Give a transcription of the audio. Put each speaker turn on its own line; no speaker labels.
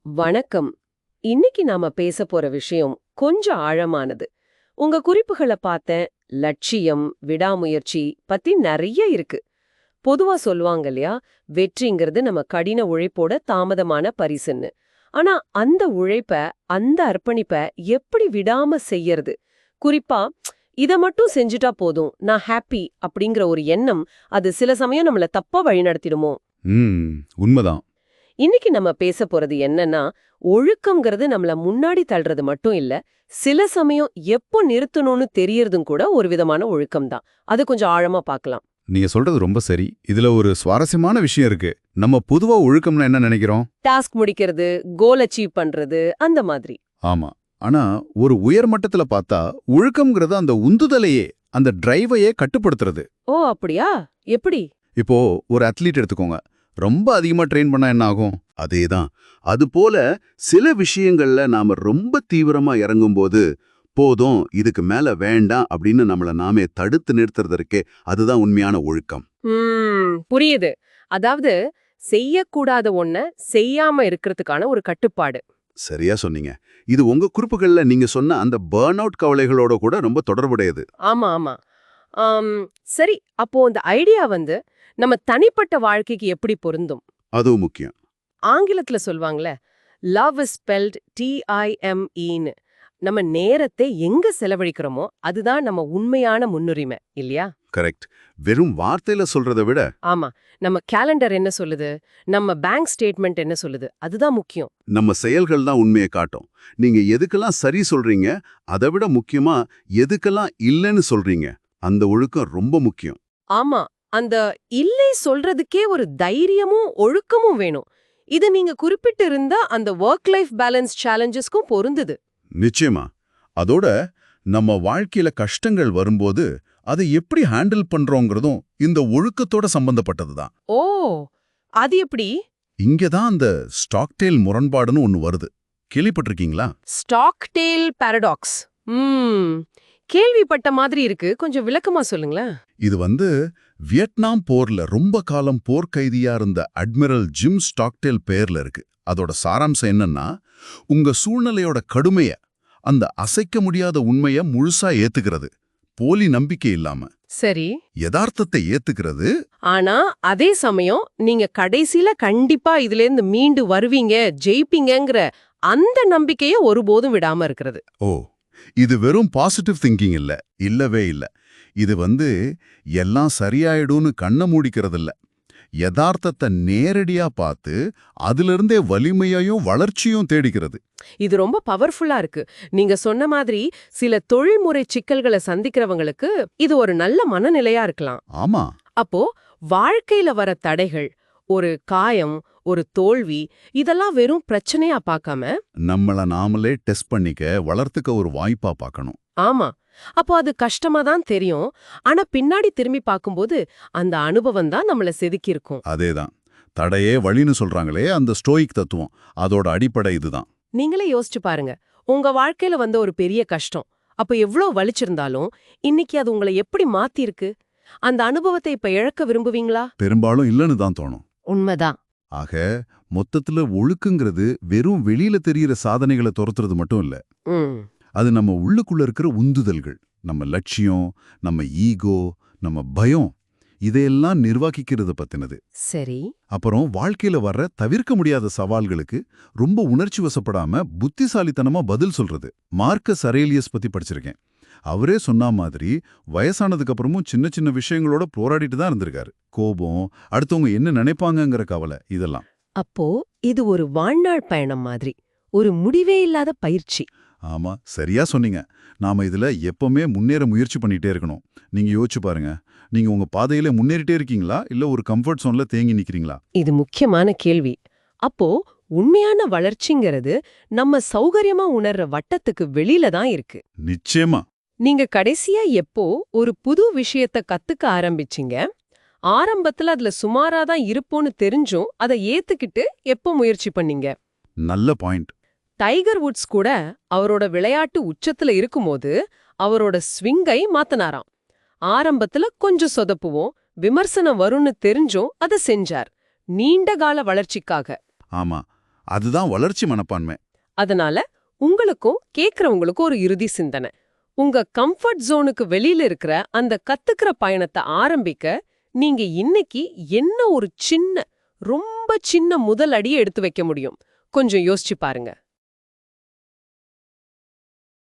வணக்கம். இன்னைக்கு நாம பேச போற விஷயம் கொஞ்சம் ஆழமானது. உங்க குறிப்புகள பார்த்தேன். லட்சியம், விடாமுயற்சி பத்தி நெறைய இருக்கு. பொதுவா சொல்லுவாங்க இல்லையா, வெற்றிங்கிறது நம்ம கடின உழைப்போட தாமதமான பரிசுன்னு. ஆனா அந்த உழைப்ப, அந்த அர்ப்பணிப்ப எப்படி விடாம செய்யறது? குறிப்பா இத மட்டும் செஞ்சுட்டா போதும், நான் ஹாப்பி அப்படிங்கிற ஒரு எண்ணம், அது சில சமயம் நம்மள தப்பா வழிநடத்திடுமோ?
ம் உண்மதான்.
இன்னைக்கு நம்ம பேச போறது என்னன்னா, ஒழுக்கம்ங்கிறது நம்மள முன்னாடி தள்ளுறது மட்டும் இல்ல, சில சமயம் எப்போ நிறுத்தணும்னு தெரியறதும் கூட ஒரு விதமான ஒழுக்கம் தான். அது கொஞ்சம் ஆழமா பார்க்கலாம்.
நீங்க சொல்றது ரொம்ப சரி. இதுல ஒரு சுவாரஸ்யமான விஷயம் இருக்கு. நம்ம பொதுவா ஒழுக்கம்னா என்ன நினைக்கிறோம்?
டாஸ்க் முடிக்கிறது, கோல் அச்சீவ் பண்றது, அந்த மாதிரி.
ஆமா. ஆனா ஒரு உயர் மட்டத்துல பார்த்தா ஒழுக்கம்ங்கிறது அந்த உந்துதலையே, அந்த டிரைவையே கட்டுப்படுத்துறது.
ஓ அப்படியா? எப்படி?
இப்போ ஒரு அத்லீட் எடுத்துக்கோங்க. ரொம்ப அதிகமா ட்ரெயின் பண்ணா என்ன ஆகும்? அதேதான். அதுபோல சில விஷயங்கள்ல நாம ரொம்ப தீவிரமா இறங்கும்போது, போதும் இதுக்கு மேல வேண்டாம் அப்படின்னு நம்மள நாமே தடுத்து நிறுத்துறது இருக்கே, அதுதான் உண்மையான ஒழுக்கம்.
புரியுது. அதாவது செய்யக்கூடாத ஒண்ண செய்யாம இருக்கிறதுக்கான ஒரு கட்டுப்பாடு.
சரியா சொன்னீங்க. இது உங்க குறிப்புகள்ல நீங்க சொன்ன அந்த பர்ன் அவுட் கவலைகளோட கூட ரொம்ப தொடர்புடையது.
ஆமா, ஆமா. ஆம், சரி. அப்போ இந்த ஐடியா நம்ம தனிப்பட்ட வாழ்க்கைக்கு எப்படி பொருந்தும்?
அதுவும் முக்கியம்.
ஆங்கிலத்துல சொல்வாங்கல்ல, லவ் இஸ் ஸ்பெல்ட் TIMEன்னு. நம்ம நேரத்தை எங்க செலவழிக்கிறோமோ அதுதான் நம்ம உண்மையான முன்னுரிமை இல்லையா?
கரெக்ட். வெறும் வார்த்தையில சொல்றத விட,
ஆமா. நம்ம கேலண்டர் என்ன சொல்லுது, நம்ம பேங்க் ஸ்டேட்மெண்ட் என்ன சொல்லுது, அதுதான் முக்கியம்.
நம்ம செயல்கள் தான் உண்மையை காட்டும். நீங்க எதுக்கெல்லாம் சரி சொல்றீங்க, அதை விட முக்கியமா எதுக்கெல்லாம் இல்லைன்னு சொல்றீங்க, அந்த ஒழுக்கம் ரொம்ப முக்கியம்.
ஆமா. அந்த இல்லை சொல்றதுக்கே ஒரு தைரியமும் ஒழுக்கமும் வேணும். இது நீங்க குறிப்பிட்டு இருந்தா அந்த ஒர்க் லைஃப் பேலன்ஸ் சேலஞ்சஸ்க்கும் பொருந்துது.
நிச்சயமா. அதோட நம்ம வாழ்க்கையில கஷ்டங்கள் வரும்போது அதை எப்படி ஹேண்டில் பண்றோங்கிறதும் இந்த ஒழுக்கத்தோட சம்பந்தப்பட்டது தான்.
ஓ! அது எப்படி?
இங்க தான் அந்த ஸ்டாக்டேல் முரண்பாடுன்னு ஒன்னு வருது. கேள்விப்பட்டிருக்கீங்களா?
Stockdale paradox. ம். கேள்விப்பட்ட மாதிரி இருக்கு. கொஞ்சம் விளக்கமா சொல்லுங்களேன்.
இது வியட்நாம் போர்ல ரொம்ப காலம் போர்க்கைதியா இருந்த அட்மிரல் ஜிம் ஸ்டாக்டேல் பெயர்ல இருக்கு. அதோட சாராம்சம் என்னன்னா, உங்க சூழ்நிலையோட கடுமைய, அந்த அசைக்க முடியாத உண்மைய முழுசா ஏத்துக்கிறது. போலி நம்பிக்கை இல்லாம.
சரி.
யதார்த்தத்தை ஏத்துக்கிறது.
ஆனா அதே சமயம் நீங்க கடைசில கண்டிப்பா இதிலேருந்து மீண்டு வருவீங்க, ஜெயிப்பீங்கங்கிற அந்த நம்பிக்கைய ஒருபோதும் விடாம இருக்கிறது.
ஓ, இது வெறும் பாசிட்டிவ் திங்கிங் இல்ல. இல்லவே இல்ல. இது எல்லாம் சரியாயிடும்னு கண்ண மூடிக்கிறது இல்ல. யதார்த்தத்தை நேரடியா பார்த்து அதிலிருந்தே வலிமையையும் வளர்ச்சியும் தேடிக்கிறது.
இது ரொம்ப பவர்ஃபுல்லா இருக்கு. நீங்க சொன்ன மாதிரி சில தொழில்முறை சிக்கல்களை சந்திக்கிறவங்களுக்கு இது ஒரு நல்ல மனநிலையா இருக்கலாம்.
ஆமா.
அப்போ வாழ்க்கையில வர தடைகள், ஒரு காயம், ஒரு தோல்வி, இதெல்லாம் வெறும் பிரச்சனையா பார்க்காம,
நம்மள நாமளே டெஸ்ட் பண்ணிக்க, வளர்த்துக்க ஒரு வாய்ப்பா பார்க்கணும்.
ஆமா. அப்போ அது கஷ்டமா தான் தெரியும். ஆனா பின்னாடி திரும்பி பார்க்கும்போது அந்த அனுபவம் தான் நம்மள செதுக்கியிருக்கும்.
அதேதான். தடையே வழின்னு சொல்றாங்களே, அந்த ஸ்டோயிக் தத்துவம், அதோட அடிப்படை இதுதான்.
நீங்களே யோசிச்சு பாருங்க. உங்க வாழ்க்கையில வந்த ஒரு பெரிய கஷ்டம். அப்ப எவ்ளோ வலிச்சிருந்தாலும், இன்னைக்கு அது உங்களை எப்படி மாத்திருக்கு? அந்த அனுபவத்தை இப்ப இழக்க விரும்புவீங்களா?
பெரும்பாலும் இல்லைன்னு தான் தோணும்.
உண்மைதான்.
ஆக மொத்தத்துல ஒழுக்குங்கிறது வெறும் வெளியில தெரியிற சாதனைகளை துரத்துறது மட்டும் இல்ல.
ம்.
அது நம்ம உள்ளுக்குள்ள இருக்கிற உந்துதல்கள், நம்ம லட்சியம், நம்ம ஈகோ, நம்ம பயம், இதையெல்லாம் நிர்வகிக்கிறது பத்தினது.
சரி.
அப்புறம் வாழ்க்கையில வர்ற தவிர்க்க முடியாத சவால்களுக்கு ரொம்ப உணர்ச்சி வசப்படாம புத்திசாலித்தனமா பதில் சொல்றது. மார்க்கஸ் அரேலியஸ் பத்தி படிச்சிருக்கேன். அவரே சொன்ன மாதிரி வயசானதுக்கு அப்புறமும் சின்ன சின்ன விஷயங்களோட போராடிட்டு தான் இருந்திருக்காரு. கோபம், அடுத்தவங்க என்ன நினைப்பாங்கங்கிற கவலை, இதெல்லாம்.
அப்போ இது ஒரு வாழ்நாள் பயணம் மாதிரி. ஒரு முடிவே இல்லாத பயிற்சி.
ஆமா, சரியா சொன்னீங்க. நாம இதுல எப்பவுமே முன்னேற முயற்சி பண்ணிட்டே இருக்கணும். நீங்க யோசிச்சு பாருங்க. நீங்க உங்க பாதையில முன்னேறிட்டே இருக்கீங்களா, இல்ல ஒரு கம்ஃபர்ட் சோன்ல தேங்கி நிக்கிறீங்களா?
இது முக்கியமான கேள்வி. அப்போ உண்மையான வளர்ச்சிங்கிறது நம்ம சௌகரியமா உணர்ற வட்டத்துக்கு வெளியில தான் இருக்கு.
நிச்சயமா.
நீங்க கடைசியா எப்போ ஒரு புது விஷயத்த கத்துக்க ஆரம்பிச்சீங்க? ஆரம்பத்துல அதுல சுமாரா தான் இருப்போன்னு தெரிஞ்சும் அதை ஏத்துக்கிட்டு எப்போ முயற்சி பண்ணீங்க?
நல்ல பாயிண்ட்.
டைகர் வுட்ஸ் கூட அவரோட விளையாட்டு உச்சத்துல இருக்கும்போது அவரோட ஸ்விங்கை மாத்தனாராம். ஆரம்பத்துல கொஞ்சம் சொதப்புவோம், விமர்சனம் வரும்னு தெரிஞ்சும் அதை செஞ்சார். நீண்ட கால வளர்ச்சிக்காக.
ஆமா. அதுதான் வளர்ச்சி மனப்பான்மை.
அதனால உங்களுக்கும் கேக்குறவங்களுக்கும் ஒரு இறுதி சிந்தனை. உங்க கம்ஃபர்ட் ஜோனுக்கு வெளியில இருக்கிற அந்த கத்துக்கிற பயணத்தை ஆரம்பிக்க நீங்க இன்னைக்கு என்ன ஒரு சின்ன, ரொம்ப சின்ன முதல் அடியை எடுத்து வைக்க முடியும்? கொஞ்சம் யோசிச்சு பாருங்க.